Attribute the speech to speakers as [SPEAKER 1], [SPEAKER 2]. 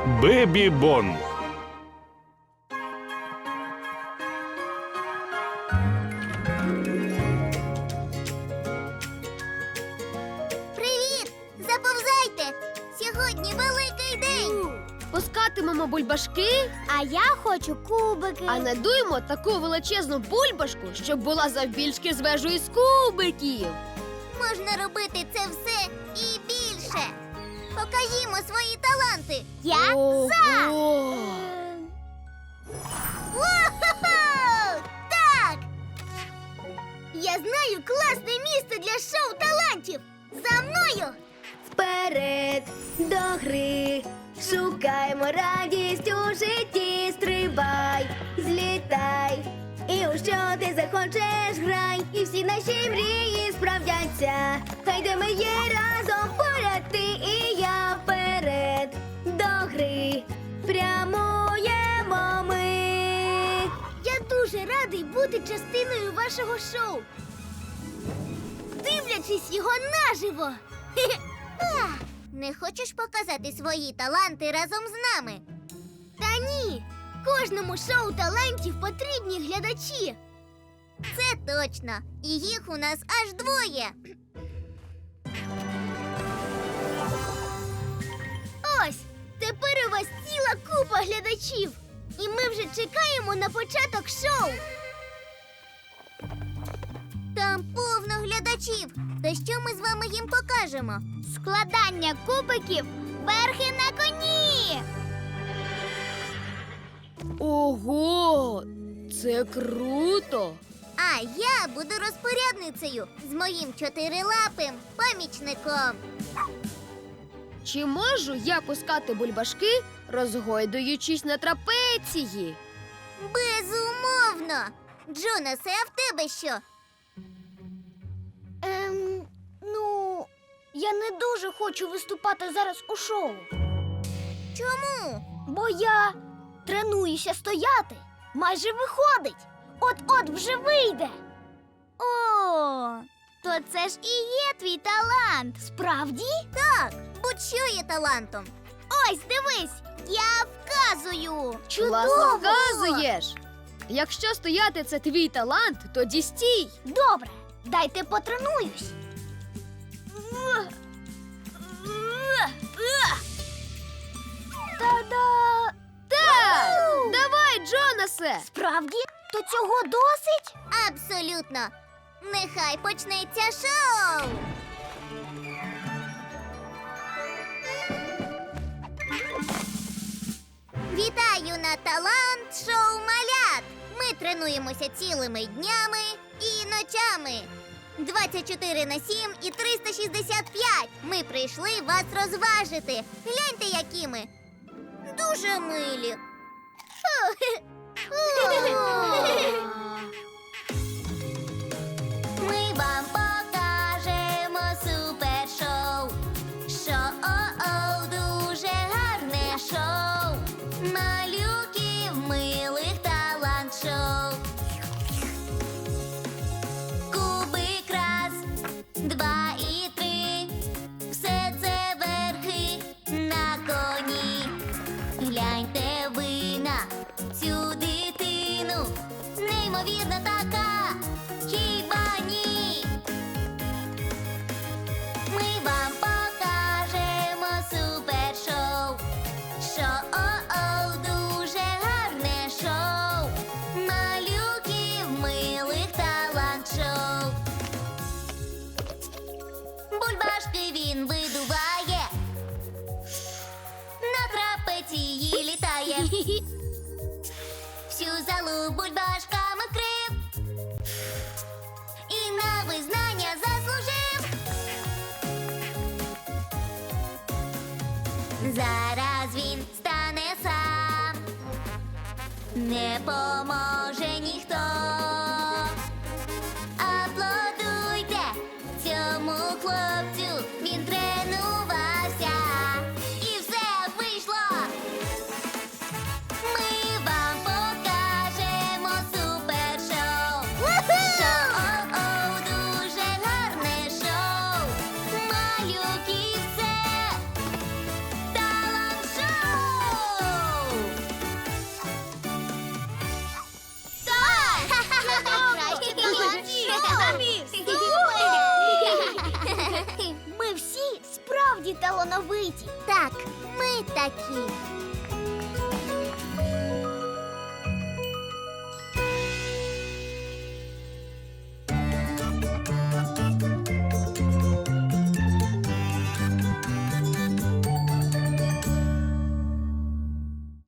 [SPEAKER 1] Бебі Бон.
[SPEAKER 2] Привіт! Заповзайте! Сьогодні великий день!
[SPEAKER 3] Пускатимемо бульбашки,
[SPEAKER 2] А я хочу кубики.
[SPEAKER 3] а надуємо таку величезну бульбашку, щоб була завбільшки з вежу із кубиків.
[SPEAKER 2] Можна робити це все і більше. Покажімо свої таланти. Я за!
[SPEAKER 3] Ого!
[SPEAKER 2] О-хо-хо! Так! Я знаю класне місце для шоу талантів. За мною!
[SPEAKER 4] Вперед до гри, шукаймо радість у житті, стрибай, злітай, і у що ти захочеш грай, і всі наші мрії справдяться. Хай де ми є разом поряд ти і я, вперед до гри, прямуємо ми.
[SPEAKER 2] Я дуже радий бути частиною вашого шоу. Дивлячись його наживо. Не хочеш показати свої таланти разом з нами? Та ні. Кожному шоу талантів потрібні глядачі. Це точно. І їх у нас аж двоє. Ось, тепер у вас ціла купа глядачів. І ми вже чекаємо на початок шоу. Там повно глядачів. Та що ми з вами їм покажемо? Складання кубиків верхи на коні.
[SPEAKER 3] Ого! Це круто!
[SPEAKER 2] А я буду розпорядницею з моїм чотирилапим помічником.
[SPEAKER 3] Чи можу я пускати бульбашки, розгойдуючись на трапеції?
[SPEAKER 2] Безумовно. Джонасе, а в тебе що? Ну, я не дуже хочу виступати зараз у шоу. Чому? Бо я тренуюся стояти. Майже виходить. От-от вже вийде. О, то це ж і є твій талант. Справді? Так, будь-що є талантом. Ось, дивись, я вказую.
[SPEAKER 3] Класно вказуєш! Якщо стояти це твій талант, тоді стій!
[SPEAKER 2] Добре, дайте потренуюсь. Та-да!
[SPEAKER 3] Так! Давай, Джонасе!
[SPEAKER 2] Справді? То цього досить? Абсолютно. Нехай почнеться шоу. Вітаю на талант-шоу малят! Ми тренуємося цілими днями і ночами. 24/7 і 365. Ми прийшли вас розважити. Гляньте, які ми. Дуже милі. Ми вам покажемо супершоу. Шоу, дуже гарне шоу. Малюків милих талант-шоу. Кубик раз, два і три. Все це верхи на коні. Гляньте ви на цю дитину. Неймовірна така, хіба ні? Ми вам покажемо супершоу. Шоу, дуже гарне шоу. Малюків милих талант-шоу. Бульбашки він видуває. На трапеції літає. Всю залу бульбашками вкрив. І на визнання заслужив. Зараз він стане сам. Не поможе ніхто. Аплодуйте цьому хлопцю. Він тренувався. І все вийшло. Ми вам покажемо супершоу. Шоу, дуже гарне шоу. Малюки, це талант-шоу. талановиті.
[SPEAKER 4] Так, ми такі.